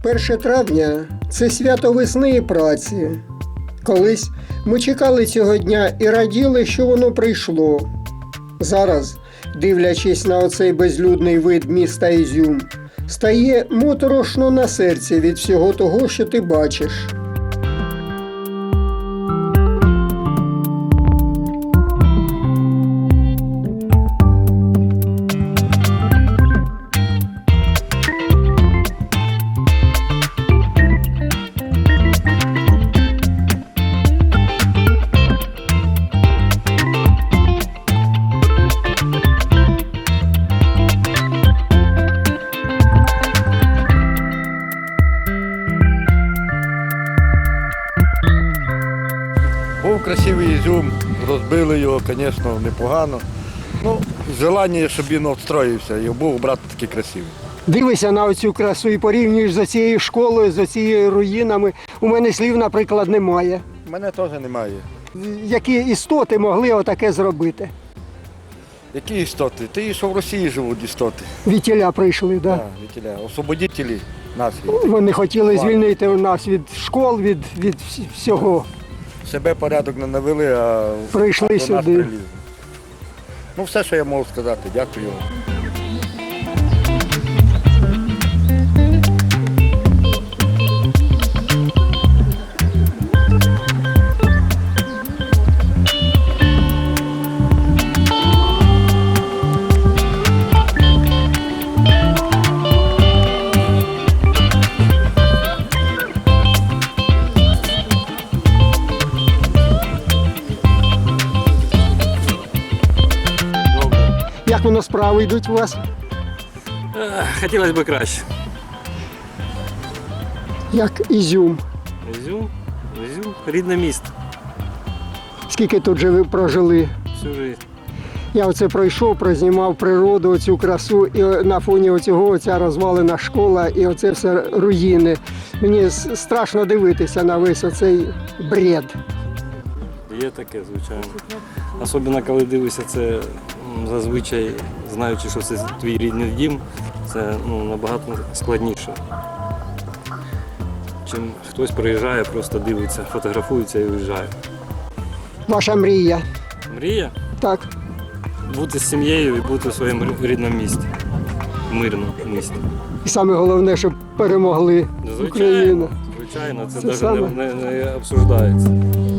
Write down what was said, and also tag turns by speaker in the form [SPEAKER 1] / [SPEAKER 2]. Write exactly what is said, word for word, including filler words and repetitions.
[SPEAKER 1] перше травня – це свято весни і праці. Колись ми чекали цього дня і раділи, що воно прийшло. Зараз, дивлячись на оцей безлюдний вид міста Ізюм, стає моторошно на серці від всього того, що ти бачиш.
[SPEAKER 2] Був красивий Ізюм, розбили його, звісно, непогано. Ну, желання, щоб він відстроївся і був брати такий красивий.
[SPEAKER 1] Дивишся на оцю красу і порівнюєш з цією школою, з цією руїнами. У мене слів, наприклад, немає.
[SPEAKER 2] У мене теж немає.
[SPEAKER 1] Які істоти могли отаке зробити?
[SPEAKER 2] Які істоти? Ти що в Росії живуть істоти.
[SPEAKER 1] Вітіля прийшли, так? Да?
[SPEAKER 2] Так, вітіля, освободителі нації.
[SPEAKER 1] Вони хотіли
[SPEAKER 2] Ладно.
[SPEAKER 1] звільнити нас від школ, від, від вс- всього.
[SPEAKER 2] Себе порядок не навели, а
[SPEAKER 1] Прийшли
[SPEAKER 2] а до нас
[SPEAKER 1] сюди.
[SPEAKER 2] прилізли. Ну, все, що я можу сказати. Дякую.
[SPEAKER 1] Як воно справи йдуть у вас?
[SPEAKER 3] Хотілося б краще.
[SPEAKER 1] Як Ізюм.
[SPEAKER 3] Ізюм, Ізюм, рідне місто.
[SPEAKER 1] Скільки тут же ви прожили?
[SPEAKER 3] Всю життя.
[SPEAKER 1] Я оце пройшов, прознімав природу, оцю красу, і на фоні оцього оця розвалена школа і оце все руїни. Мені с- страшно дивитися на весь оцей бред.
[SPEAKER 3] Є таке, звичайно. Особливо, коли дивишся це м, зазвичай, знаючи, що це твій рідний дім, це ну, набагато складніше. Чим хтось приїжджає, просто дивиться, фотографується і уїжджає.
[SPEAKER 1] Ваша мрія.
[SPEAKER 3] Мрія
[SPEAKER 1] Так.
[SPEAKER 3] бути з сім'єю і бути в своєму рі- рідному місті, мирному місті.
[SPEAKER 1] І саме головне, щоб перемогли Україну.
[SPEAKER 3] Звичайно, звичайно, це
[SPEAKER 1] Це
[SPEAKER 3] навіть
[SPEAKER 1] саме.
[SPEAKER 3] не, не, не обсуждається.